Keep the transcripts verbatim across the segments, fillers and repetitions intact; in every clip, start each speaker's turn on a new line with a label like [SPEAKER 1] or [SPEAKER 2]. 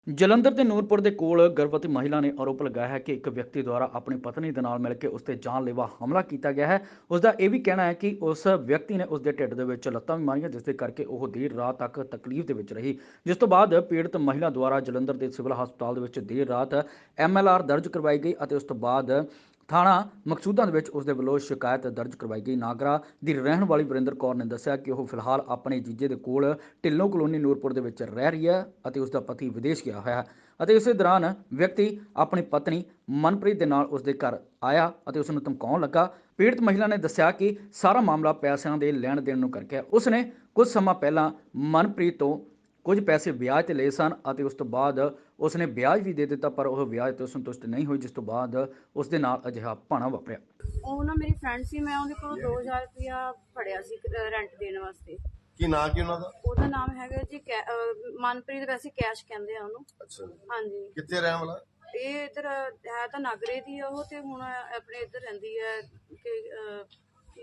[SPEAKER 1] ਜਲੰਧਰ ਦੇ ਨੂਰਪੁਰ ਦੇ ਕੋਲ ਗਰਭਵਤੀ ਮਹਿਲਾ ਨੇ ਆਰੋਪ ਲਗਾਇਆ ਹੈ ਕਿ ਇੱਕ ਵਿਅਕਤੀ ਦੁਆਰਾ ਆਪਣੀ ਪਤਨੀ ਦੇ ਨਾਲ ਮਿਲ ਕੇ ਉਸ ਤੇ ਜਾਨਲੇਵਾ ਹਮਲਾ ਕੀਤਾ ਗਿਆ ਹੈ। ਉਸ ਦਾ ਇਹ ਵੀ ਕਹਿਣਾ ਹੈ ਕਿ ਉਸ ਵਿਅਕਤੀ ਨੇ ਉਸ ਦੇ ਢਿੱਡ ਦੇ ਵਿੱਚ ਲੱਤਾਂ ਵੀ ਮਾਰੀਆਂ, ਜਿਸ ਦੇ ਕਰਕੇ ਉਹ ਦੇਰ ਰਾਤ ਤੱਕ ਤਕਲੀਫ ਦੇ ਵਿੱਚ ਰਹੀ। ਜਿਸ ਤੋਂ ਬਾਅਦ ਪੀੜਤ ਮਹਿਲਾ ਦੁਆਰਾ ਜਲੰਧਰ ਦੇ ਸਿਵਲ ਹਸਪਤਾਲ ਦੇ ਵਿੱਚ ਦੇਰ ਰਾਤ ਐਮ ਐਲ ਆਰ ਦਰਜ ਕਰਵਾਈ ਗਈ ਅਤੇ ਉਸ ਤੋਂ ਬਾਅਦ ਥਾਣਾ ਮਕਸੂਦਾਂ ਦੇ ਵਿੱਚ ਉਸ ਦੇ ਵੱਲੋਂ ਸ਼ਿਕਾਇਤ ਦਰਜ ਕਰਵਾਈ ਗਈ। ਨਾਗਰਾ ਦੀ ਰਹਿਣ ਵਾਲੀ ਵਰਿੰਦਰ ਕੌਰ ਨੇ ਦੱਸਿਆ ਕਿ ਉਹ ਫਿਲਹਾਲ ਆਪਣੇ ਜੀਜੇ ਦੇ ਕੋਲ ਢਿੱਲੋਂ ਕਲੋਨੀ ਨੂਰਪੁਰ ਦੇ ਵਿੱਚ ਰਹਿ ਰਹੀ ਹੈ ਅਤੇ ਉਸ ਦਾ ਪਤੀ ਵਿਦੇਸ਼ ਗਿਆ ਹੋਇਆ ਹੈ ਅਤੇ ਇਸੇ ਦੌਰਾਨ ਵਿਅਕਤੀ ਆਪਣੀ ਪਤਨੀ ਮਨਪ੍ਰੀਤ ਦੇ ਨਾਲ ਉਸ ਦੇ ਘਰ ਆਇਆ ਅਤੇ ਉਸ ਨੂੰ ਧਮਕਾਉਣ ਲੱਗਾ। ਪੀੜਤ ਮਹਿਲਾ ਨੇ ਦੱਸਿਆ ਕਿ ਸਾਰਾ ਮਾਮਲਾ ਪੈਸਿਆਂ ਦੇ ਲੈਣ ਦੇਣ ਨੂੰ ਕਰਕੇ ਉਸ ਨੇ ਕੁਝ ਸਮਾਂ ਪਹਿਲਾਂ ਮਨਪ੍ਰੀਤ ਤੋਂ ਕੁਝ ਪੈਸੇ ਵਿਆਜ ਤੇ ਲਏ ਸਨ ਅਤੇ ਉਸ ਤੋਂ ਬਾਅਦ ਉਸ ਨੇ ਵਿਆਜ ਵੀ ਦੇ ਦਿੱਤਾ, ਪਰ ਉਹ ਵਿਆਜ ਤੋਂ ਸੰਤੁਸ਼ਟ ਨਹੀਂ ਹੋਈ, ਜਿਸ ਤੋਂ ਬਾਅਦ ਉਸ ਦੇ ਨਾਲ ਅਜਿਹਾ ਭਾਣਾ ਵਾਪਰਿਆ।
[SPEAKER 2] ਉਹ ਨਾ ਮੇਰੀ ਫਰੈਂਡ ਸੀ, ਮੈਂ ਉਹਦੇ ਕੋਲੋਂ ਦੋ ਹਜ਼ਾਰ ਰੁਪਇਆ ਫੜਿਆ ਸੀ ਰੈਂਟ ਦੇਣ ਵਾਸਤੇ।
[SPEAKER 3] ਕੀ ਨਾਂ ਕੀ ਉਹਨਾਂ ਦਾ?
[SPEAKER 2] ਉਹਦਾ ਨਾਮ ਹੈਗਾ ਜੀ ਮਨਪ੍ਰੀਤ, ਵੈਸੇ ਕੈਸ਼ ਕਹਿੰਦੇ ਆ ਉਹਨੂੰ।
[SPEAKER 3] ਅੱਛਾ,
[SPEAKER 2] ਹਾਂਜੀ।
[SPEAKER 3] ਕਿੱਥੇ ਰਹਿਣ ਵਾਲਾ?
[SPEAKER 2] ਇਹ ਇੱਧਰ ਹੈ ਤਾਂ ਨਾਗਰੇ ਦੀ ਆ ਉਹ, ਤੇ ਹੁਣ ਆਪਣੇ ਇੱਧਰ ਰਹਿੰਦੀ ਹੈ ਕਿ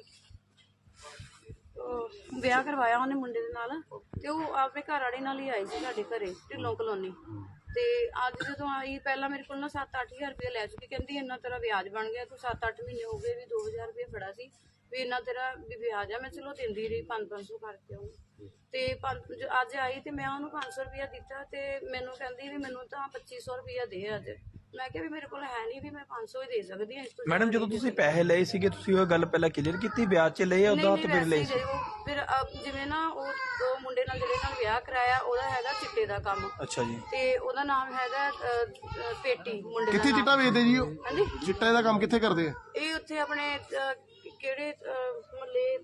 [SPEAKER 2] ਵਿਆਹ ਕਰਵਾਇਆ ਉਹਨੇ ਮੁੰਡੇ ਦੇ ਨਾਲ, ਤੇ ਉਹ ਆਪਣੇ ਘਰ ਵਾਲੇ ਨਾਲ ਹੀ ਆਈ ਸੀ ਸਾਡੇ ਘਰੇ ਢਿੱਲੋਂ ਕਲੋਨੀ। ਤੇ ਅੱਜ ਜਦੋਂ ਆਈ, ਪਹਿਲਾਂ ਮੇਰੇ ਕੋਲ ਨਾ ਸੱਤ ਅੱਠ ਹਜ਼ਾਰ ਰੁਪਇਆ ਲੈ ਚੁੱਕੀ। ਕਹਿੰਦੀ ਇੰਨਾ ਤੇਰਾ ਵਿਆਜ ਬਣ ਗਿਆ, ਤੂੰ ਸੱਤ ਅੱਠ ਮਹੀਨੇ ਹੋ ਗਏ ਵੀ ਦੋ ਹਜ਼ਾਰ ਰੁਪਇਆ ਫੜਾ ਸੀ ਵੀ ਇੰਨਾ ਤੇਰਾ ਵੀ ਵਿਆਜ ਆ। ਮੈਂ ਚਲੋ ਦਿੰਦੀ ਰਹੀ ਪੰਜ ਪੰਜ ਸੌ ਕਰਕੇ ਉਹਨੂੰ। ਤੇ ਪੰਜ ਅੱਜ ਆਈ ਤੇ ਮੈਂ ਉਹਨੂੰ ਪੰਜ ਸੌ ਰੁਪਇਆ ਦਿੱਤਾ, ਤੇ ਮੈਨੂੰ ਕਹਿੰਦੀ ਵੀ ਮੈਨੂੰ ਤਾਂ ਪੱਚੀ ਸੌ ਰੁਪਇਆ ਦੇ ਅੱਜ। ਮੈਂ ਕਿਹਾ ਵੀ ਮੇਰੇ ਕੋਲ ਹੈ ਨਹੀਂ, ਵੀ ਮੈਂ ਪੰਜ ਸੌ ਹੀ ਦੇ ਸਕਦੀ ਹਾਂ।
[SPEAKER 4] ਮੈਡਮ ਜਦੋਂ ਤੁਸੀਂ ਪੈਸੇ ਲਏ ਸੀਗੇ, ਤੁਸੀਂ ਉਹ ਗੱਲ ਪਹਿਲਾਂ ਕਲੀਅਰ ਕੀਤੀ ਵਿਆਜ 'ਚ ਲਏ ਉਹਦਾ ਤੇ ਫਿਰ ਲਏ ਸੀ?
[SPEAKER 2] ਫਿਰ ਜਿਵੇਂ ਨਾ ਉਹ ਦੋ ਮੁੰਡੇ ਨਾਲ ਜਿਹੜੇ ਨਾਲ ਵਿਆਹ ਕਰਾਇਆ, ਉਹਦਾ ਹੈਗਾ ਚਿੱਟੇ ਦਾ ਕੰਮ।
[SPEAKER 4] ਅੱਛਾ ਜੀ।
[SPEAKER 2] ਤੇ ਉਹਦਾ ਨਾਮ ਹੈਗਾ ਪੇਟੀ ਮੁੰਡੇ ਦਾ।
[SPEAKER 5] ਕਿੱਥੇ ਚਿੱਟਾ ਵੇਚਦੇ ਜੀ ਉਹ?
[SPEAKER 2] ਹਾਂਜੀ,
[SPEAKER 5] ਚਿੱਟੇ ਦਾ ਕੰਮ ਕਿੱਥੇ ਕਰਦੇ ਆ
[SPEAKER 2] ਇਹ? ਉੱਥੇ ਆਪਣੇ ਕਿਹੜੇ ਮਹੱਲੇ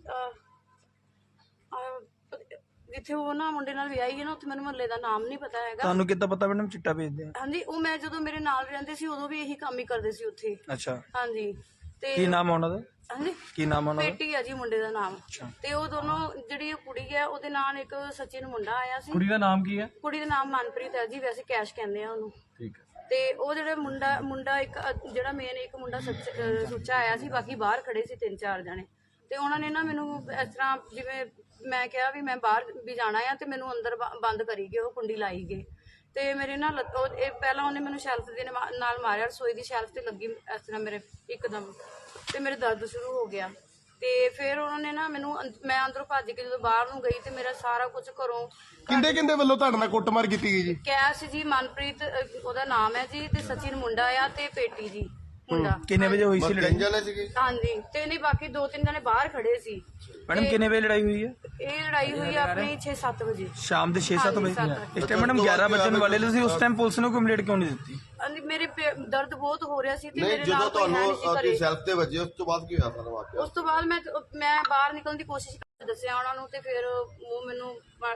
[SPEAKER 2] ਜਿੱਥੇ ਉਹ ਨਾ ਮੁੰਡੇ ਨਾਲ ਵਿਆਹੀ ਹੈ ਨਾ, ਉੱਥੇ ਮੈਨੂੰ ਮਹੱਲੇ ਦਾ ਨਾਮ ਨਹੀਂ ਪਤਾ ਹੈਗਾ।
[SPEAKER 4] ਤੁਹਾਨੂੰ ਕਿੱਦਾਂ ਪਤਾ ਮੈਡਮ ਚਿੱਟਾ ਵੇਚਦੇ ਆ?
[SPEAKER 2] ਹਾਂਜੀ, ਉਹ ਮੈਂ ਜਦੋਂ ਮੇਰੇ ਨਾਲ ਰਹਿੰਦੇ ਸੀ ਉਦੋਂ ਵੀ ਇਹੀ ਕੰਮ ਹੀ ਕਰਦੇ ਸੀ ਉੱਥੇ।
[SPEAKER 4] ਅੱਛਾ।
[SPEAKER 2] ਹਾਂਜੀ। ਤੇ
[SPEAKER 4] ਕੀ ਨਾਮ ਉਹਨਾਂ ਦਾ?
[SPEAKER 2] ਹਾਂਜੀ,
[SPEAKER 4] ਕੀ ਨਾਮ ਉਹਨਾਂ ਦਾ?
[SPEAKER 2] ਪੇਟੀ ਆ ਜੀ ਮੁੰਡੇ ਦਾ ਨਾਮ। ਤੇ ਉਹ ਦੋਨੋਂ ਜਿਹੜੀ ਕੁੜੀ ਹੈ ਉਹਦੇ ਨਾਲ ਇੱਕ ਸਚਿਨ ਮੁੰਡਾ ਆਇਆ ਸੀ।
[SPEAKER 4] ਕੁੜੀ ਦਾ ਨਾਮ ਕੀ ਹੈ?
[SPEAKER 2] ਕੁੜੀ ਦਾ ਨਾਮ ਮਨਪ੍ਰੀਤ ਹੈ ਜੀ, ਵੈਸੇ ਕੈਸ਼ ਕਹਿੰਦੇ ਆ ਉਹਨੂੰ।
[SPEAKER 4] ਠੀਕ ਹੈ।
[SPEAKER 2] ਤੇ ਉਹ ਜਿਹੜਾ ਮੁੰਡਾ ਮੁੰਡਾ ਇੱਕ ਜਿਹੜਾ ਮੇਨ ਇੱਕ ਮੁੰਡਾ ਸੁੱਚਾ ਆਇਆ ਸੀ, ਬਾਕੀ ਬਾਹਰ ਖੜੇ ਸੀ ਤਿੰਨ ਚਾਰ ਜਣੇ। ਤੇ ਉਹਨਾਂ ਨੇ ਨਾ ਮੈਨੂੰ ਇਸ ਤਰ੍ਹਾਂ, ਜਿਵੇਂ ਮੈਂ ਕਿਹਾ ਵੀ ਮੈਂ ਬਾਹਰ ਵੀ ਜਾਣਾ ਆ, ਤੇ ਮੈਨੂੰ ਅੰਦਰ ਬੰਦ ਕਰੀ ਗਏ, ਉਹ ਕੁੰਡੀ ਲਾਈ ਗਏ। ਤੇ ਮੇਰੇ ਨਾਲ ਇਹ ਪਹਿਲਾਂ ਉਹਨੇ ਮੈਨੂੰ ਸ਼ੈਲਫ ਦੇ ਨਾਲ ਮਾਰਿਆ, ਰਸੋਈ ਦੀ ਸ਼ੈਲਫ ਤੇ ਲੱਗੀ ਇਸ ਤਰ੍ਹਾਂ ਮੇਰੇ ਇੱਕਦਮ, ਤੇ ਮੇਰੇ ਦਰਦ ਸ਼ੁਰੂ ਹੋ ਗਿਆ। ਤੇ ਫਿਰ ਉਹਨਾਂ ਨੇ ਨਾ ਮੈਨੂੰ, ਮੈਂ ਅੰਦਰੋਂ ਭੱਜ ਕੇ ਜਦੋਂ ਬਾਹਰ ਨੂੰ ਗਈ, ਤੇ ਮੇਰਾ ਸਾਰਾ ਕੁਝ ਘਰੋਂ।
[SPEAKER 5] ਕਿੰਦੇ ਕਿੰਦੇ ਵੱਲੋਂ ਤੁਹਾਡੇ ਨਾਲ ਕੁੱਟਮਾਰ ਕੀਤੀ ਗਈ ਜੀ?
[SPEAKER 2] ਕੈਸ਼ ਜੀ, ਮਨਪ੍ਰੀਤ ਉਹਦਾ ਨਾਮ ਹੈ ਜੀ, ਤੇ ਸਚਿਨ ਮੁੰਡਾ ਆ, ਤੇ ਪੇਟੀ ਜੀ ਮੁੰਡਾ।
[SPEAKER 4] ਕਿੰਨੇ ਵਜੇ ਹੋਈ ਸੀ ਲੜਾਈ?
[SPEAKER 3] ਜਾਣੇ ਸੀਗੇ?
[SPEAKER 2] ਹਾਂਜੀ, ਤੇ ਨਹੀਂ ਬਾਕੀ ਦੋ ਤਿੰਨ ਜਣੇ ਬਾਹਰ ਖੜੇ ਸੀ।
[SPEAKER 4] ਮੈਡਮ ਕਿੰਨੇ ਵਜੇ ਲੜਾਈ ਹੋਈ ਹੈ?
[SPEAKER 2] ਇਹ ਲੜਾਈ ਹੋਈ ਆਪਣੀ ਛੇ ਸੱਤ ਵਜੇ
[SPEAKER 4] ਸ਼ਾਮ ਦੇ ਛੇ ਸੱਤ ਵਜੇ।
[SPEAKER 2] ਹਾਂਜੀ,
[SPEAKER 4] ਇਸ ਟਾਈਮ ਮੈਡਮ ਗਿਆਰਾਂ ਵਜਣ ਵਾਲੇ ਤੁਸੀਂ ਉਸ ਟਾਈਮ ਪੁਲਿਸ ਨੂੰ ਕੰਪਲੇਂਟ ਕਿਉਂ ਨਹੀਂ ਦਿੱਤੀ?
[SPEAKER 2] ਹਾਂਜੀ, ਮੇਰੇ ਪੇ- ਦਰਦ ਬਹੁਤ ਹੋ ਰਿਹਾ ਸੀ, ਤੇ
[SPEAKER 3] ਨਹੀਂ,
[SPEAKER 2] ਮੇਰੇ
[SPEAKER 3] ਜਦੋਂ
[SPEAKER 2] ਨਾਲ ਕੋਈ ਹੈ
[SPEAKER 3] ਤੁਹਾਨੂੰ
[SPEAKER 2] ਨਹੀਂ ਸੀ
[SPEAKER 3] ਆਪਣੀ
[SPEAKER 2] ਘਰੇ।
[SPEAKER 3] ਸੈਲਫ ਤੇ ਵੱਜੇ, ਉਸ ਤੋਂ ਬਾਅਦ ਕੀ ਹੋਇਆ ਸਾਰਾ ਵਾਕਿਆ?
[SPEAKER 2] ਉਸ ਤੋਂ ਬਾਅਦ ਮੈਂ ਮੈਂ ਬਾਹਰ ਨਿਕਲਣ ਦੀ ਕੋਸ਼ਿਸ਼ ਕਰ ਦੱਸਿਆ ਉਹਨਾਂ ਨੂੰ, ਤੇ ਫਿਰ ਉਹ ਮੈਨੂੰ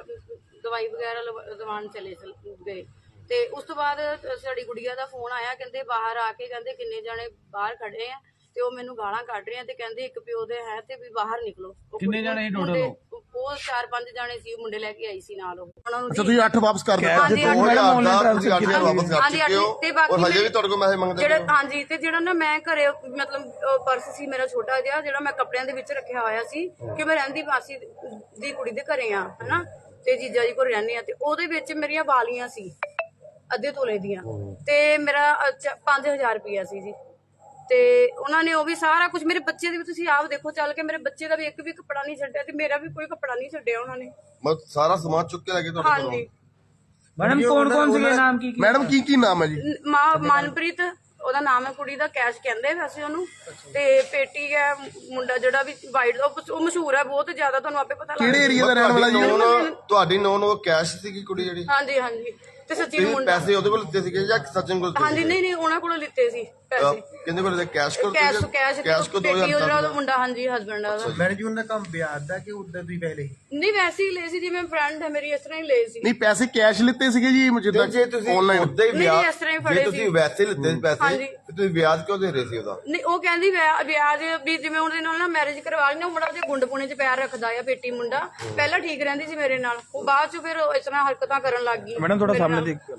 [SPEAKER 2] ਦਵਾਈ ਵਗੈਰਾ ਦਵਾਉਣ ਚਲੇ ਗਏ। ਤੇ ਉਸ ਤੋਂ ਬਾਅਦ ਸਾਡੀ ਗੁੜੀਆ ਦਾ ਫੋਨ ਆਇਆ, ਕਹਿੰਦੇ ਬਾਹਰ ਆ ਕੇ, ਕਹਿੰਦੇ ਕਿੰਨੇ ਜਣੇ ਬਾਹਰ ਖੜੇ ਆ, ਤੇ ਉਹ ਮੈਨੂੰ ਗਾਲਾਂ ਕੱਢ ਰਹੇ ਆ, ਤੇ ਕਹਿੰਦੇ ਇੱਕ ਪਿਓ ਦੇ ਹੈ ਤੇ ਵੀ ਬਾਹਰ ਨਿਕਲੋ।
[SPEAKER 4] ਕਿੰਨੇ ਜਣੇ ਸੀ ਟੋਟਲ?
[SPEAKER 2] ਉਹ ਚਾਰ ਪੰਜ ਜਣੇ ਸੀ, ਮੁੰਡੇ ਲੈ ਕੇ ਆਈ ਸੀ ਨਾਲ ਉਹ। ਉਹਨਾਂ ਨੂੰ
[SPEAKER 5] ਅੱਛਾ, ਤੁਸੀਂ ਅੱਠ ਵਾਪਸ ਕਰ ਦਿੱਤਾ?
[SPEAKER 2] ਹਾਂਜੀ,
[SPEAKER 3] ਦੋ ਹਜ਼ਾਰ ਦਾ ਤੁਸੀਂ ਅੱਠ ਹਜ਼ਾਰ ਵਾਪਸ ਕਰ
[SPEAKER 2] ਹਾਂਜੀ,
[SPEAKER 3] ਚੁੱਕੇ ਹੋ,
[SPEAKER 2] ਤੇ ਬਾਕੀ
[SPEAKER 3] ਔਰ ਹਜੇ ਵੀ ਤੁਹਾਡੇ ਕੋਲ ਪੈਸੇ ਮੰਗਦੇ
[SPEAKER 2] ਜਿਹੜਾ
[SPEAKER 3] ਪਏ ਹੋ?
[SPEAKER 2] ਹਾਂਜੀ, ਤੇ ਜਿਹੜਾ ਨਾ ਮੈਂ ਘਰੇ ਮਤਲਬ ਪਰਸ ਸੀ ਮੇਰਾ ਛੋਟਾ ਜਿਹਾ, ਜਿਹੜਾ ਮੈਂ ਕੱਪੜਿਆਂ ਦੇ ਵਿੱਚ ਰੱਖਿਆ ਹੋਇਆ ਸੀ, ਕਿ ਮੈਂ ਰਹਿੰਦੀ ਮਾਸੀ ਦੀ ਕੁੜੀ ਦੇ ਘਰੇ ਆ ਹਨਾ, ਤੇ ਜੀਜਾ ਜੀ ਕੋਲ ਰਹਿੰਦੀ ਆ, ਤੇ ਉਹਦੇ ਵਿੱਚ ਮੇਰੀਆਂ ਵਾਲੀਆਂ ਸੀ ਅੱਧੇ ਤੋਲੇ ਦੀਆਂ, ਤੇ ਮੇਰਾ ਪੰਜ ਹਜ਼ਾਰ ਰੁਪਇਆ ਸੀ ਜੀ। ਤੇ ਉਹਨਾਂ ਨੇ ਉਹ ਵੀ ਸਾਰਾ ਕੁਝ, ਮੇਰੇ ਬੱਚੇ ਦੇ ਵੀ ਤੁਸੀਂ ਆਪ ਦੇਖੋ ਚੱਲ ਕੇ, ਮੇਰੇ ਬੱਚੇ ਦਾ ਵੀ ਇੱਕ ਵੀ ਕੱਪੜਾ ਨਹੀਂ ਛੱਡਿਆ, ਤੇ ਮੇਰਾ ਵੀ ਕੋਈ ਕੱਪੜਾ ਨਹੀਂ ਛੱਡਿਆ ਉਹਨਾਂ ਨੇ।
[SPEAKER 3] ਮਤ ਸਾਰਾ ਸਮਾਨ ਚੁੱਕ ਕੇ ਲੈ ਗਏ ਤੁਹਾਡੇ ਕੋਲੋਂ?
[SPEAKER 2] ਹਾਂਜੀ।
[SPEAKER 4] ਮੈਡਮ ਕੌਣ ਕੌਣ ਸੀਗੇ, ਨਾਮ ਕੀ?
[SPEAKER 5] ਮੈਡਮ ਕੀ ਕੀ ਨਾਮ ਹੈ ਜੀ?
[SPEAKER 2] ਮਾਂ ਮਨਪ੍ਰੀਤ ਉਹਦਾ ਨਾਮ ਹੈ, ਕੁੜੀ ਦਾ ਕੈਸ਼ ਕਹਿੰਦੇ ਵੈਸੇ ਉਹਨੂੰ, ਤੇ ਪੇਟੀ ਹੈ ਮੁੰਡਾ ਜਿਹੜਾ ਵੀ ਵਾਈਟ, ਉਹ ਮਸ਼ਹੂਰ ਹੈ ਬਹੁਤ ਜ਼ਿਆਦਾ, ਤੁਹਾਨੂੰ ਆਪੇ ਪਤਾ ਲੱਗ
[SPEAKER 5] ਕਿਹੜੇ ਏਰੀਆ ਦਾ ਰਹਿਣ ਵਾਲਾ ਜੀ?
[SPEAKER 3] ਤੁਹਾਡੀ ਨੌਨ ਉਹ ਕੈਸ਼ ਸੀਗੀ ਕੁੜੀ ਜਿਹੜੀ?
[SPEAKER 2] ਹਾਂਜੀ ਹਾਂਜੀ। ਤੇ ਸੱਚੀ
[SPEAKER 3] ਤੁਸੀਂ
[SPEAKER 2] ਮੁੰਡਾ,
[SPEAKER 3] ਪੈਸੇ ਉਹਦੇ ਕੋਲ ਲਿੱਤੇ ਸੀਗੇ ਜਾਂ ਸਚਿਨ ਕੋਲ?
[SPEAKER 2] ਹਾਂਜੀ, ਨਹੀਂ ਨਹੀਂ ਉਹਨਾਂ ਕੋਲੋਂ ਲਿੱਤੇ ਸੀ ਪੈਸੇ।
[SPEAKER 3] ਕਿੰਨੇ ਕੋਲ? ਕੈਸ਼ ਕੋਲ?
[SPEAKER 2] ਕੈਸ਼ ਕੈਸ਼
[SPEAKER 3] ਕੈਸ਼ ਕੋ
[SPEAKER 2] ਪੇਟੀ ਉਹਦਾ ਮੁੰਡਾ, ਹਾਂਜੀ ਹਸਬੈਂਡ ਉਹਦਾ।
[SPEAKER 4] ਮੈਡਮ ਜੀ ਉਹਨਾਂ ਦਾ ਕੰਮ ਵਿਆਜ ਦਾ ਕਿ ਉਦਾਂ ਤੁਸੀਂ ਪਹਿਲੇ?
[SPEAKER 2] ਨਹੀਂ, ਵੈਸੇ ਹੀ ਲਏ ਸੀ, ਜਿਵੇਂ ਫਰੈਂਡ ਹੈ ਮੇਰੀ, ਇਸ ਤਰ੍ਹਾਂ ਹੀ ਲਏ ਸੀ।
[SPEAKER 5] ਨਹੀਂ, ਪੈਸੇ ਕੈਸ਼ ਲਿੱਤੇ ਸੀਗੇ ਜੀ ਜਿੱਦਾਂ
[SPEAKER 3] ਜੇ ਤੁਸੀਂ
[SPEAKER 5] ਆਨਲਾਈਨ?
[SPEAKER 3] ਉਦਾਂ ਹੀ
[SPEAKER 2] ਨਹੀਂ,
[SPEAKER 3] ਵਿਆਜ,
[SPEAKER 2] ਇਸ ਤਰ੍ਹਾਂ ਹੀ ਫੜੇ
[SPEAKER 3] ਜੇ ਤੁਸੀਂ
[SPEAKER 2] ਸੀ।
[SPEAKER 3] ਵੈਸੇ ਲਿੱਤੇ ਸੀ ਪੈਸੇ,
[SPEAKER 2] ਹਾਂਜੀ।
[SPEAKER 3] ਤੇ ਤੁਸੀਂ ਵਿਆਜ ਕਿਉਂ ਦੇ ਰਹੇ ਸੀ ਉਹਦਾ?
[SPEAKER 2] ਨਹੀਂ, ਉਹ ਕਹਿੰਦੀ ਵਿਆਹ ਵਿਆਜ ਵੀ ਜਿਵੇਂ ਉਹਦੇ ਨਾਲ ਨਾ ਮੈਰਿਜ ਕਰਵਾ ਲਈ ਨਾ, ਉਹ ਮੁੰਡਾ ਉਹਦੇ ਗੁੰਡ ਪੁਣੇ 'ਚ ਪੈਰ ਰੱਖਦਾ ਆ, ਪੇਟੀ ਮੁੰਡਾ। ਪਹਿਲਾਂ ਠੀਕ ਰਹਿੰਦੀ ਸੀ ਮੇਰੇ ਨਾਲ, ਉਹ ਬਾਅਦ 'ਚ ਫਿਰ ਇਸ ਤਰ੍ਹਾਂ ਹਰਕਤਾਂ ਕਰਨ ਲੱਗ ਗਈ।
[SPEAKER 4] ਮੈਡਮ ਥੋੜਾ ਸਾਹਮਣੇ ਦੇਖ।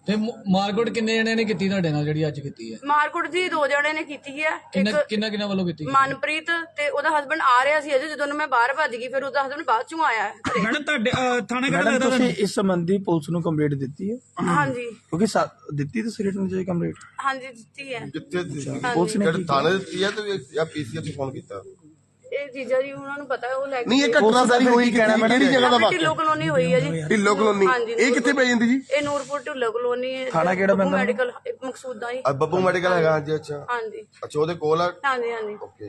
[SPEAKER 6] ਤੇ ਮ- ਮਾਰਕੁੱਟ ਕਿੰਨੇ ਜਣਿਆਂ ਨੇ ਕੀਤੀ ਤੁਹਾਡੇ ਨਾਲ ਜਿਹੜੀ ਅੱਜ ਕੀਤੀ ਹੈ?
[SPEAKER 2] ਮਾਰਕੁੱਟ ਜੀ ਦੋ ਜਣੇ ਨੇ ਕੀਤੀ ਹੈ।
[SPEAKER 6] ਕਿੰਨਾ
[SPEAKER 2] ਇੱਕ
[SPEAKER 6] ਕਿੰਨਾ ਕਿੰਨਾ ਵੱਲੋਂ ਕੀਤੀ?
[SPEAKER 2] ਮਨਪ੍ਰੀਤ ਤੇ ਉਹਦਾ ਹਸਬੰਡ ਆ ਰਿਹਾ ਸੀ ਅਜੇ, ਜਦੋਂ ਨੂੰ ਮੈਂ ਬਾਹਰ ਭੱਜ ਗਈ, ਫਿਰ ਉਹਦਾ ਹਸਬੰਡ ਬਾਅਦ ਚੋਂ ਆਇਆ ਘਰੇ।
[SPEAKER 4] ਮੈਡਮ ਤੁਹਾਡੇ ਥਾਣੇ ਮੈਡਮ ਤੁਸੀਂ ਇਸ ਸੰਬੰਧੀ ਪੁਲਿਸ ਨੂੰ ਕੰਪਲੇਂਟ ਦਿੱਤੀ ਹੈ?
[SPEAKER 2] ਹਾਂਜੀ
[SPEAKER 4] ਕਿਉਂਕਿ ਸਾ- ਦਿੱਤੀ ਤੁਸੀਂ ਰਿਟਨ ਚ ਕੰਪਲੇਂਟ?
[SPEAKER 2] ਹਾਂਜੀ ਦਿੱਤੀ ਹੈ।
[SPEAKER 3] ਕਿੱਥੇ ਦਿੱਤੀ?
[SPEAKER 4] ਪੁਲਿਸ ਨੇ
[SPEAKER 3] ਕਿਹੜੇ ਥਾਣੇ ਦਿੱਤੀ ਹੈ ਤੇ ਜਾਂ ਪੀਸੀਆਰ ਨੂੰ ਫੋਨ ਕੀਤਾ?
[SPEAKER 2] ਇਹ ਜੀਜਾ ਜੀ ਉਹਨਾਂ ਨੂੰ ਪਤਾ, ਉਹ ਲੈ ਕੇ
[SPEAKER 5] ਨਹੀਂ ਇਹ ਘਟਨਾ ਸਾਰੀ ਹੋਈ ਕਿਹੜੀ ਕਿਹੜੀ ਜਗ੍ਹਾ ਦਾ
[SPEAKER 2] ਢਿੱਲੋਂ
[SPEAKER 5] ਵਾਕਿਆ?
[SPEAKER 2] ਕਲੋਨੀ ਹੋਈ ਹੈ ਜੀ।
[SPEAKER 5] ਢਿੱਲੋਂ ਕਲੋਨੀ।
[SPEAKER 2] ਹਾਂਜੀ,
[SPEAKER 5] ਇਹ ਕਿੱਥੇ ਪੈ ਜਾਂਦੀ ਜੀ?
[SPEAKER 2] ਇਹ ਨੂਰਪੁਰ ਢਿੱਲੋਂ ਕਲੋਨੀ ਹੈ।
[SPEAKER 4] ਥਾਣਾ ਕਿਹੜਾ
[SPEAKER 2] ਬੱਬੂ
[SPEAKER 4] ਪੈਂਦਾ?
[SPEAKER 2] ਮੈਡੀਕਲ ਮਕਸੂਦਾ ਜੀ।
[SPEAKER 3] ਆ ਬੱਬੂ ਮੈਡੀਕਲ ਹੈਗਾ ਹਾਂਜੀ। ਅੱਛਾ
[SPEAKER 2] ਹਾਂਜੀ
[SPEAKER 3] ਅੱਛਾ ਉਹਦੇ ਕੋਲ ਆ।
[SPEAKER 2] ਹਾਂਜੀ ਹਾਂਜੀ।
[SPEAKER 3] ਓਕੇ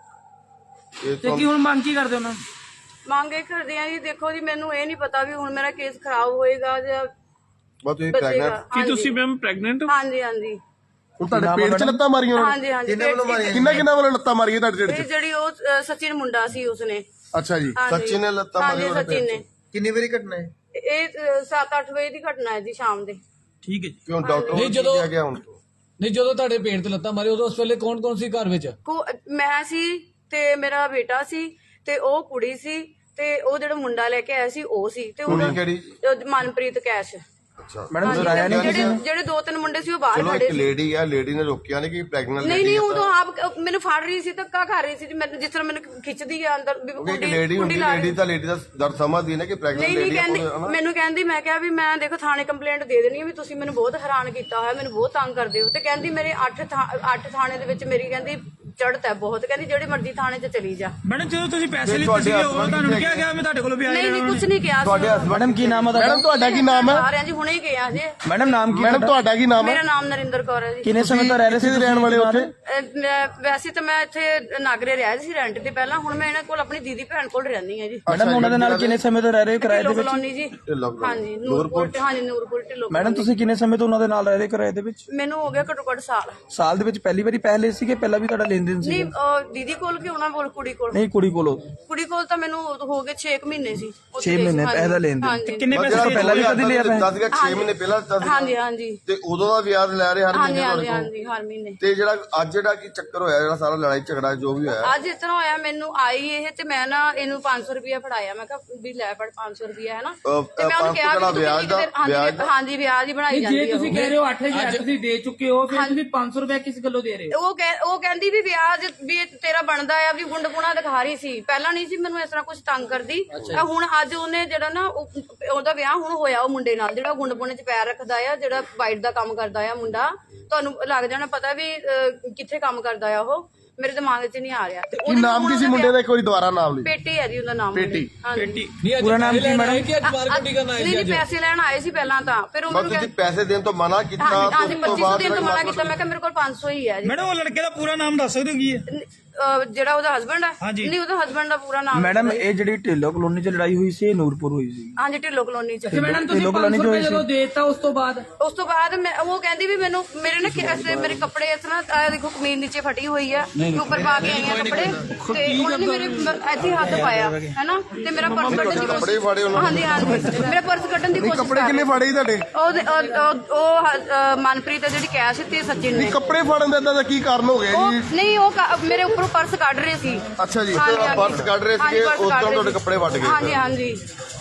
[SPEAKER 3] ਜੀ। ਇਹ
[SPEAKER 4] ਤੇ ਕੀ ਹੁਣ ਮੰਗ ਕੀ ਕਰਦੇ ਹੋ ਨਾ?
[SPEAKER 2] ਮੰਗ ਇਹ ਕਰਦੇ ਆ ਜੀ, ਦੇਖੋ ਜੀ ਮੈਨੂੰ ਇਹ ਨਹੀਂ ਪਤਾ ਵੀ ਹੁਣ ਮੇਰਾ ਕੇਸ ਖਰਾਬ ਹੋਏਗਾ ਜਾਂ
[SPEAKER 3] ਬਸ ਤੁਸੀਂ
[SPEAKER 2] ਬਚੇਗਾ।
[SPEAKER 3] ਪ੍ਰੈਗਨੈਂਟ?
[SPEAKER 2] ਕੀ ਤੁਸੀਂ
[SPEAKER 4] ਮੈਮ ਪ੍ਰੈਗਨੈਂਟ?
[SPEAKER 2] ਹਾਂਜੀ ਹਾਂਜੀ
[SPEAKER 5] ਹੁਣ ਤੁਹਾਡੇ ਪੇਟ 'ਚ ਲੱਤਾਂ ਮਾਰੀਆਂ ਉਹਨਾਂ ਨੇ?
[SPEAKER 2] ਹਾਂਜੀ ਹਾਂਜੀ
[SPEAKER 3] ਕਿੰਨੇ ਵੱਲੋਂ ਮਾਰੀਆਂ?
[SPEAKER 5] ਕਿੰਨਾ ਕਿੰਨਾ ਵੱਲੋਂ ਲੱਤਾਂ ਮਾਰੀਆਂ ਤੁਹਾਡੇ ਢਿੱਡ
[SPEAKER 2] ਇਹ
[SPEAKER 5] 'ਚ?
[SPEAKER 2] ਜਿਹੜੀ ਉਹ ਅ, ਸਚਿਨ ਮੁੰਡਾ ਸੀ ਉਸਨੇ।
[SPEAKER 5] ਅੱਛਾ ਜੀ।
[SPEAKER 2] ਹਾਂਜੀ।
[SPEAKER 3] ਸਚਿਨ ਨੇ ਲੱਤਾਂ
[SPEAKER 2] ਹਾਂਜੀ,
[SPEAKER 3] ਮਾਰੀਆਂ ਉਹਦੇ
[SPEAKER 2] ਸਚਿਨ
[SPEAKER 3] ਪੇਟ
[SPEAKER 2] ਨੇ।
[SPEAKER 3] 'ਚ? ਕਿੰਨੀ ਵਾਰੀ ਘਟਨਾ ਹੈ?
[SPEAKER 2] ਇਹ ਸੱਤ ਅੱਠ ਵਜੇ ਦੀ ਘਟਨਾ ਹੈ ਜੀ, ਸ਼ਾਮ ਦੇ।
[SPEAKER 4] ਠੀਕ ਹੈ ਜੀ।
[SPEAKER 3] ਕਿਉਂ ਡਾਕਟਰ
[SPEAKER 6] ਨਹੀਂ,
[SPEAKER 3] ਨੂੰ
[SPEAKER 6] ਜਦੋਂ-
[SPEAKER 3] ਕਿਹਾ ਗਿਆ ਹੁਣ ਤੋਂ?
[SPEAKER 6] ਨਹੀਂ, ਜਦੋਂ ਤੁਹਾਡੇ ਪੇਟ ਤੇ ਲੱਤਾਂ ਮਾਰੀ ਉਦੋਂ ਉਸ ਵੇਲੇ ਕੌਣ ਕੌਣ ਸੀ ਘਰ ਵਿੱਚ?
[SPEAKER 2] ਕੋ ਮੈਂ ਸੀ ਤੇ ਮੇਰਾ ਬੇਟਾ ਸੀ ਤੇ ਉਹ ਕੁੜੀ ਸੀ ਤੇ ਉਹ ਜਿਹੜਾ ਮੁੰਡਾ ਲੈ ਕੇ ਆਇਆ ਸੀ ਉਹ ਸੀ ਤੇ
[SPEAKER 3] ਕੁੜੀ
[SPEAKER 2] ਉਹਦਾ
[SPEAKER 3] ਕਿਹੜੀ?
[SPEAKER 2] ਉਹ ਮਨਪ੍ਰੀਤ ਕੈਸ਼।
[SPEAKER 3] ਅੱਛਾ
[SPEAKER 4] ਮੈਡਮ
[SPEAKER 2] ਹਾਂਜੀ,
[SPEAKER 4] ਡਰਾਇਆ ਨਹੀਂ ਕਿਸੇ
[SPEAKER 2] ਜਿਹੜੇ
[SPEAKER 4] ਨੇ?
[SPEAKER 2] ਜਿਹੜੇ ਦੋ ਤਿੰਨ ਮੁੰਡੇ ਸੀ ਉਹ ਬਾਹਰ
[SPEAKER 3] ਚਲੋ
[SPEAKER 2] ਖੜੇ
[SPEAKER 3] ਇੱਕ
[SPEAKER 2] ਸੀ।
[SPEAKER 3] ਲੇਡੀ ਆ, ਲੇਡੀ ਨੇ ਰੋਕਿਆ ਨਹੀਂ ਕਿ ਪ੍ਰੈਗਨੈਂਟ
[SPEAKER 2] ਨਹੀਂ
[SPEAKER 3] ਲੇਡੀ
[SPEAKER 2] ਨਹੀਂ
[SPEAKER 3] ਆ
[SPEAKER 2] ਉਹ
[SPEAKER 3] ਤਾਂ-
[SPEAKER 2] ਤਾਂ ਆਪ ਮੈਨੂੰ ਫੜ ਰਹੀ ਸੀ, ਧੱਕਾ ਕਰ ਰਹੀ ਸੀ ਜੀ, ਮੈਨੂੰ ਜਿਸ ਤਰ੍ਹਾਂ ਮੈਨੂੰ ਖਿੱਚਦੀ ਆ ਅੰਦਰ ਵੀ
[SPEAKER 3] ਕਿਉਂਕਿ ਇੱਕ
[SPEAKER 2] ਕੁੰਡੀ-
[SPEAKER 3] ਲੇਡੀ
[SPEAKER 2] ਕੁੰਡੀ
[SPEAKER 3] ਹੁੰਦੀ,
[SPEAKER 2] ਲਾ
[SPEAKER 3] ਲੇਡੀ
[SPEAKER 2] ਰਹੀ।
[SPEAKER 3] ਤਾਂ ਲੇਡੀ ਦਾ ਦਰਦ ਸਮਝਦੀ ਨਾ ਕਿ ਪ੍ਰੈਗਨੈਂਟ
[SPEAKER 2] ਨਹੀਂ ਨਹੀਂ
[SPEAKER 3] ਲੇਡੀ
[SPEAKER 2] ਕਹਿੰਦੀ,
[SPEAKER 3] ਆ
[SPEAKER 2] ਮੈਨੂੰ ਕਹਿੰਦੀ, ਮੈਂ ਕਿਹਾ ਵੀ ਮੈਂ ਦੇਖੋ ਥਾਣੇ ਕੰਪਲੇਂਟ ਦੇ ਦੇਣੀ ਹੈ ਵੀ ਤੁਸੀਂ ਮੈਨੂੰ ਬਹੁਤ ਹੈਰਾਨ ਕੀਤਾ ਹੋਇਆ, ਮੈਨੂੰ ਬਹੁਤ ਤੰਗ ਕਰਦੇ ਹੋ। ਤੇ ਕਹਿੰਦੀ ਮੇਰੇ ਅੱਠ ਅੱਠ ਥਾਣੇ ਦੇ ਵਿੱਚ ਮੇਰੀ ਕਹਿੰਦੀ ਚੜ੍ਹਤ ਹੈ ਬਹੁਤ, ਕਹਿੰਦੀ ਜਿਹੜੇ ਮਰਜ਼ੀ ਥਾਣੇ 'ਚ ਚਲੀ ਜਾ।
[SPEAKER 4] ਮੈਡਮ ਜਦੋਂ ਤੁਸੀਂ ਪੈਸੇ
[SPEAKER 3] ਤੇ
[SPEAKER 4] ਲਿੱਤੇ
[SPEAKER 3] ਤੁਹਾਡੇ
[SPEAKER 4] ਸੀਗੇ ਉਹ
[SPEAKER 3] husband
[SPEAKER 4] ਤੁਹਾਨੂੰ
[SPEAKER 3] ਕਿੱਥੇ
[SPEAKER 4] ਕਿਹਾ ਗਿਆ ਮੈਂ ਤੁਹਾਡੇ ਕੋਲ ਵੀ
[SPEAKER 2] ਨਹੀਂ ਨਹੀਂ ਕੁਝ ਨਹੀਂ ਕਿਹਾ
[SPEAKER 3] ਤੁਹਾਡੇ
[SPEAKER 2] ਸੀ।
[SPEAKER 3] husband-
[SPEAKER 4] ਮੈਡਮ ਕੀ ਨਾਮ ਹੈ
[SPEAKER 5] ਮੈਡਮ ਤੁਹਾਡਾ ਕੀ ਨਾਮ ਹੈ?
[SPEAKER 2] ਆ ਰਿਹਾ ਜੀ, ਹੁਣੇ ਹੀ ਗਿਆ ਜੀ।
[SPEAKER 4] ਮੈਡਮ ਨਾਮ ਕੀ
[SPEAKER 5] ਮੈਡਮ ਤੁਹਾਡਾ ਕੀ ਨਾਮ ਹੈ?
[SPEAKER 2] ਮੇਰਾ ਨਾਮ ਨਰਿੰਦਰ ਕੌਰ ਹੈ ਜੀ।
[SPEAKER 4] ਕਿੰਨੇ ਸਮੇਂ ਤੋਂ ਰਹਿ ਰਹੇ ਸੀ
[SPEAKER 5] ਕਿੱਥੇ ਦੇ ਰਹਿਣ ਵਾਲੇ ਉੱਥੇ?
[SPEAKER 2] ਅਹ ਮੈਂ- ਵੈਸੇ ਤਾਂ ਮੈਂ ਇੱਥੇ ਨਾਗਰੇ ਰਿਹਾ ਸੀ ਰੈਂਟ ਤੇ ਪਹਿਲਾਂ, ਹੁਣ ਮੈਂ ਇਹਨਾਂ ਕੋਲ ਆਪਣੀ ਦੀਦੀ ਭੈਣ ਕੋਲ ਰਹਿੰਦੀ ਹਾਂ ਜੀ।
[SPEAKER 4] ਮੈਡਮ ਉਹਨਾਂ ਦੇ ਨਾਲ ਕਿੰਨੇ ਸਮੇਂ ਤੋਂ ਰਹਿ ਰਹੇ ਹੋ ਕਿਰਾਏ ਦੇ
[SPEAKER 2] ਢਿੱਲੋਂ
[SPEAKER 4] ਵਿੱਚ?
[SPEAKER 2] ਕਲੋਨੀ ਜੀ।
[SPEAKER 3] ਢਿੱਲੋਂ ਕਲੋਨੀ।
[SPEAKER 2] ਹਾਂਜੀ ਨੂਰਪੁਰ, ਹਾਂਜੀ ਨੂਰਪੁਰ ਢਿੱਲੋਂ
[SPEAKER 4] ਮੈਡਮ
[SPEAKER 2] ਕਲੋਨੀ।
[SPEAKER 4] ਤੁਸੀਂ ਕਿੰਨੇ ਸਮੇਂ ਤੋਂ ਉਹਨਾਂ ਦੇ ਨਾਲ ਰਹਿ ਰਹੇ ਹੋ ਕਿਰਾਏ ਦੇ ਵਿੱਚ?
[SPEAKER 2] ਮੈਨੂੰ ਹੋ ਗਿਆ ਘੱਟੋ ਘੱਟ ਸਾਲ।
[SPEAKER 4] ਸਾਲ ਦੇ ਵਿੱਚ ਪਹਿਲੀ ਵਾਰੀ ਪੈਸੇ ਲਏ ਸੀਗੇ? ਪਹਿਲਾਂ ਵੀ ਤੁਹਾਡਾ ਲੈਣ ਦੇਣ ਸੀ?
[SPEAKER 2] ਨਹੀਂ ਅਹ ਦੀਦੀ ਕੋਲ ਕਿ ਉਹਨਾਂ ਕੋਲ, ਕੁੜੀ ਕੋਲ?
[SPEAKER 4] ਨਹੀਂ ਕੁੜੀ ਕੋਲੋਂ।
[SPEAKER 2] ਕੁੜੀ ਕੋਲ ਤਾਂ ਮੈਨੂੰ ਹੋ ਗਏ ਛੇ ਕੁ ਮਹੀਨੇ ਸੀ। ਉੱਥੇ
[SPEAKER 4] ਛੇ ਮਹੀਨੇ
[SPEAKER 2] ਹਾਂਜੀ,
[SPEAKER 4] ਪੈਸੇ ਦਾ ਲੈਣ ਦੇਣ।
[SPEAKER 2] ਹਾਂਜੀ।
[SPEAKER 4] ਕਿੰਨੇ
[SPEAKER 3] ਬਸ
[SPEAKER 4] ਪੈਸੇ
[SPEAKER 3] ਜਿਹੜਾ
[SPEAKER 4] ਪਹਿਲਾਂ ਵੀ ਕਦੀ ਲਿਆ
[SPEAKER 3] ਦੱਸ ਗਿਆ ਛੇ ਮਹੀਨੇ ਪਹਿਲਾਂ ਦੱਸ ਗਿਆ।
[SPEAKER 2] ਹਾਂਜੀ ਹਾਂਜੀ
[SPEAKER 3] ਤੇ ਉਦੋਂ ਦਾ ਵਿਆਜ ਲੈ ਰਹੇ ਹਰ
[SPEAKER 2] ਹਾਂਜੀ
[SPEAKER 3] ਮਹੀਨੇ
[SPEAKER 2] ਹਾਂਜੀ
[SPEAKER 3] ਤੁਹਾਡੇ ਕੋਲ।
[SPEAKER 2] ਹਾਂਜੀ ਹਰ ਮਹੀਨੇ।
[SPEAKER 3] ਤੇ ਜਿਹੜਾ ਅੱਜ ਜਿਹੜਾ ਕੀ ਚੱਕਰ ਹੋਇਆ, ਜਿਹੜਾ ਸਾਰਾ ਲੜਾਈ ਝਗੜਾ ਜੋ ਵੀ ਹੋਇਆ,
[SPEAKER 2] ਅੱਜ ਇਸ ਤਰ੍ਹਾਂ ਹੋਇਆ, ਮੈਨੂੰ ਆਈ ਇਹ ਤੇ ਮੈਂ ਨਾ ਇਹਨੂੰ ਪੰਜ ਸੌ ਰੁਪਇਆ ਫੜਾਇਆ, ਮੈਂ ਕਿਹਾ ਵੀ ਲੈ ਫੜ ਪੰਜ ਸੌ ਰੁਪਇਆ ਹੈ ਨਾ।
[SPEAKER 3] ਅਹ,
[SPEAKER 2] ਤੇ ਮੈਂ ਉਹਨੂੰ
[SPEAKER 3] ਪੰਜ ਸੌ
[SPEAKER 2] ਕਿਹਾ ਵੀ
[SPEAKER 3] ਕਿਹੜਾ
[SPEAKER 2] ਤੁਸੀਂ
[SPEAKER 3] ਵਿਆਜ
[SPEAKER 2] ਇੱਕ
[SPEAKER 3] ਦਾ-
[SPEAKER 2] ਦਿਨ- ਹਾਂਜੀ
[SPEAKER 3] ਵਿਆਜ ਦਾ?
[SPEAKER 2] ਹਾਂਜੀ ਵਿਆਜ ਹੀ ਬਣਾਈ ਜਾਂਦੀ
[SPEAKER 7] ਜੇ
[SPEAKER 2] ਹੈ
[SPEAKER 7] ਤੁਸੀਂ
[SPEAKER 2] ਉਹ।
[SPEAKER 7] ਕਹਿ ਰਹੇ ਹੋ ਅੱਠ ਹਜ਼ਾਰ ਤੁਸੀਂ ਦੇ ਚੁੱਕੇ ਹੋ, ਫਿਰ ਤੁਸੀਂ ਪੰਜ ਸੌ ਰੁਪਏ ਕਿਸ ਗੱਲੋਂ ਦੇ ਰਹੇ ਹੋ?
[SPEAKER 2] ਉਹ ਕਹਿ ਉਹ ਕਹਿੰਦੀ ਵੀ ਵਿਆਜ ਵੀ ਇਹ ਤੇਰਾ ਬਣਦਾ ਆ, ਵੀ ਗੁੰਡ ਪੁਣਾ ਦਿਖਾ ਰਹੀ ਸੀ। ਪਹਿਲਾਂ ਨਹੀਂ ਸੀ ਮੈਨੂੰ ਇਸ ਤਰ੍ਹਾਂ ਕੁਝ ਤੰਗ ਕਰਦੀ, ਤਾਂ ਹੁਣ ਅੱਜ ਉਹਨੇ ਜਿਹੜਾ ਨਾ ਉਹ- ਉਹਦਾ ਵਿਆਹ ਹੁਣ ਹੋਇਆ ਉਹ ਮੁੰਡੇ ਨਾਲ, ਜਿਹੜਾ ਗੁੰਡ ਪੁਣੇ 'ਚ ਪੈਰ ਰੱਖਦਾ ਆ, ਜਿਹੜਾ ਵਾਈਟ ਦਾ ਕੰਮ ਕਰਦਾ ਆ ਮੁੰਡਾ। ਤੁਹਾਨੂੰ ਲੱਗ ਜਾਣਾ ਪਤਾ ਵੀ ਅਹ, ਕਿੱਥੇ ਕੰਮ ਕਰਦਾ ਆ ਉਹ, ਮੇਰੇ ਦਿਮਾਗ 'ਚ ਨਹੀਂ ਆ ਰਿਹਾ। ਤੇ
[SPEAKER 5] ਕੀ
[SPEAKER 2] ਉਹਦੇ
[SPEAKER 5] ਨਾਮ
[SPEAKER 2] ਹੁਣ
[SPEAKER 5] ਕੀ ਸੀ
[SPEAKER 2] ਉਹਦਾ
[SPEAKER 5] ਮੁੰਡੇ ਦਾ? ਇੱਕ ਵਾਰੀ ਦੁਬਾਰਾ ਨਾਮ ਲਈ।
[SPEAKER 2] ਪੇਟੀ ਹੈ ਜੀ ਉਹਦਾ ਨਾਮ।
[SPEAKER 5] ਪੇਟੀ।
[SPEAKER 2] ਹਾਂਜੀ।
[SPEAKER 6] ਨਹੀਂ ਅੱਜ
[SPEAKER 4] ਪੂਰਾ ਨਾਮ
[SPEAKER 6] ਪੈਸੇ
[SPEAKER 4] ਕੀ
[SPEAKER 6] ਲੈਣ
[SPEAKER 4] ਮੈਡਮ?
[SPEAKER 6] ਆਏ ਕਿ ਅੱਜ ਮਾਰਕੁੱਟ ਹੀ ਕਰਨ ਆਏ
[SPEAKER 2] ਨਹੀਂ
[SPEAKER 6] ਸੀ
[SPEAKER 2] ਨਹੀਂ
[SPEAKER 6] ਅੱਜ?
[SPEAKER 2] ਪੈਸੇ ਲੈਣ ਆਏ ਸੀ ਪਹਿਲਾਂ ਤਾਂ, ਫਿਰ
[SPEAKER 3] ਬਸ
[SPEAKER 2] ਉਹਨੂੰ
[SPEAKER 3] ਤੁਸੀਂ
[SPEAKER 2] ਕਹਿੰਦੇ
[SPEAKER 3] ਪੈਸੇ ਦੇਣ ਤੋਂ ਮਨਾ ਕੀਤਾ
[SPEAKER 2] ਹਾਂਜੀ ਹਾਂਜੀ
[SPEAKER 3] ਉਸ ਤੋਂ
[SPEAKER 2] ਪੱਚੀ ਸੌ
[SPEAKER 3] ਬਾਅਦ
[SPEAKER 2] ਦੇਣ ਤੋਂ ਮਨਾ
[SPEAKER 3] ਜਿਹੜਾ
[SPEAKER 2] ਕੀਤਾ। ਮੈਂ ਕਿਹਾ ਮੇਰੇ ਕੋਲ ਪੰਜ ਸੌ ਹੀ ਹੈ ਜੀ।
[SPEAKER 4] ਮੈਡਮ ਉਹ ਲੜਕੇ ਦਾ ਪੂਰਾ ਨਾਮ ਦੱਸ ਸਕਦੇ ਹੋ ਕੀ ਹੈ?
[SPEAKER 2] ਅਹ, ਜਿਹੜਾ ਉਹਦਾ ਹਸਬੰਡ ਹੈ?
[SPEAKER 4] ਹਾਂਜੀ।
[SPEAKER 2] ਨਹੀਂ ਉਹਦਾ ਹਸਬੰਡ ਦਾ ਪੂਰਾ ਨਾਮ
[SPEAKER 4] ਮੈਡਮ ਇਹ ਜਿਹੜੀ ਢਿੱਲੋਂ ਕਲੋਨੀ 'ਚ ਲੜਾਈ ਹੋਈ ਸੀ ਇਹ ਨੂਰਪੁਰ ਹੋਈ ਸੀ?
[SPEAKER 2] ਹਾਂਜੀ ਢਿੱਲੋਂ ਕਲੋਨੀ 'ਚ।
[SPEAKER 7] ਤੇ ਮੈਡਮ ਤੁਸੀਂ
[SPEAKER 4] ਢਿੱਲੋਂ
[SPEAKER 7] ਪੰਜ
[SPEAKER 4] ਕਲੋਨੀ
[SPEAKER 7] ਸੌ
[SPEAKER 4] ਚ
[SPEAKER 7] ਰੁਪਏ
[SPEAKER 4] ਹੋਈ ਸੀ?
[SPEAKER 7] ਜਦੋਂ ਦੇਤਾ ਉਸ ਤੋਂ ਬਾਅਦ
[SPEAKER 2] ਉਸ ਤੋਂ ਬਾਅਦ ਮੈਂ ਉਹ ਕਹਿੰਦੀ ਵੀ ਮੈਨੂੰ ਮੇਰੇ ਨਾ ਕਿ- ਐਸੇ ਮੇਰੇ ਕੱਪੜੇ ਇਸ ਤਰ੍ਹਾਂ ਆਹ ਦੇਖੋ ਕਮੀਜ਼ ਨੀਚੇ ਫਟੀ ਹੋਈ ਆ, ਉੱਪਰ ਪਾ ਕੇ ਆਈਆਂ ਕੱਪੜੇ, ਤੇ ਉਹਨਾਂ ਨੇ ਮੇਰੇ ਮ- ਇੱਥੇ ਹੀ ਹੱਥ ਪਾਇਆ ਹੈਨਾ, ਤੇ ਮੇਰਾ ਪਰਸ ਕੱਢਣ ਦੀ
[SPEAKER 3] ਕੱਪੜੇ ਫਾੜੇ ਉਹਨਾਂ
[SPEAKER 2] ਹਾਂਜੀ ਹਾਂਜੀ ਮੇਰਾ ਪਰਸ ਕੱਢਣ ਦੀ
[SPEAKER 5] ਨਹੀਂ
[SPEAKER 2] ਕੋਸ਼ਿਸ਼
[SPEAKER 5] ਕੱਪੜੇ
[SPEAKER 2] ਕਰ
[SPEAKER 5] ਕਿੰਨੇ
[SPEAKER 2] ਰਹੇ।
[SPEAKER 5] ਫਾੜੇ ਸੀ ਤੁਹਾਡੇ?
[SPEAKER 2] ਉਹ ਉਹ- ਉਹ- ਉਹ ਹ- ਅਹ ਮਨਪ੍ਰੀਤ ਹੈ ਜਿਹੜੀ ਕੈਸ਼ ਤੇ ਸਚਿਨ ਨੇ।
[SPEAKER 5] ਨਹੀਂ ਕੱਪੜੇ ਫਾੜਨ ਦਾ ਏਦਾਂ ਦਾ ਕੀ ਕਾਰਨ ਹੋ ਗਿਆ
[SPEAKER 2] ਉਹ
[SPEAKER 5] ਜੀ?
[SPEAKER 2] ਨਹੀਂ ਉਹ ਕ- ਮੇਰੇ ਉੱਪਰੋਂ ਪਰਸ ਕੱਢ ਰਹੇ ਸੀ।
[SPEAKER 5] ਅੱਛਾ ਜੀ।
[SPEAKER 2] ਹਾਂਜੀ, ਹਾਂਜੀ।
[SPEAKER 3] ਪਰਸ ਕੱਢ ਰਹੇ
[SPEAKER 2] ਹਾਂਜੀ,
[SPEAKER 3] ਸੀਗੇ,
[SPEAKER 2] ਪਰਸ
[SPEAKER 3] ਉਸ
[SPEAKER 2] ਕੱਢ
[SPEAKER 3] ਤਰ੍ਹਾਂ
[SPEAKER 2] ਰਹੇ
[SPEAKER 3] ਤੁਹਾਡੇ
[SPEAKER 2] ਸੀ।
[SPEAKER 3] ਕੱਪੜੇ ਵੱਟ ਗਏ।
[SPEAKER 2] ਹਾਂਜੀ ਹਾਂਜੀ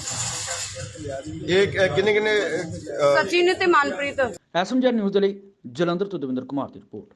[SPEAKER 3] ਇਹ ਕਿੰਨੇ ਕਿੰਨੇ
[SPEAKER 2] ਸਚਿਨ ਤੇ ਮਨਪ੍ਰੀਤ।
[SPEAKER 1] ਐਸਐਮਜੀ ਨਿਊਜ਼ ਦੇ ਲਈ ਜਲੰਧਰ ਤੋਂ ਦਵਿੰਦਰ ਕੁਮਾਰ ਦੀ ਰਿਪੋਰਟ।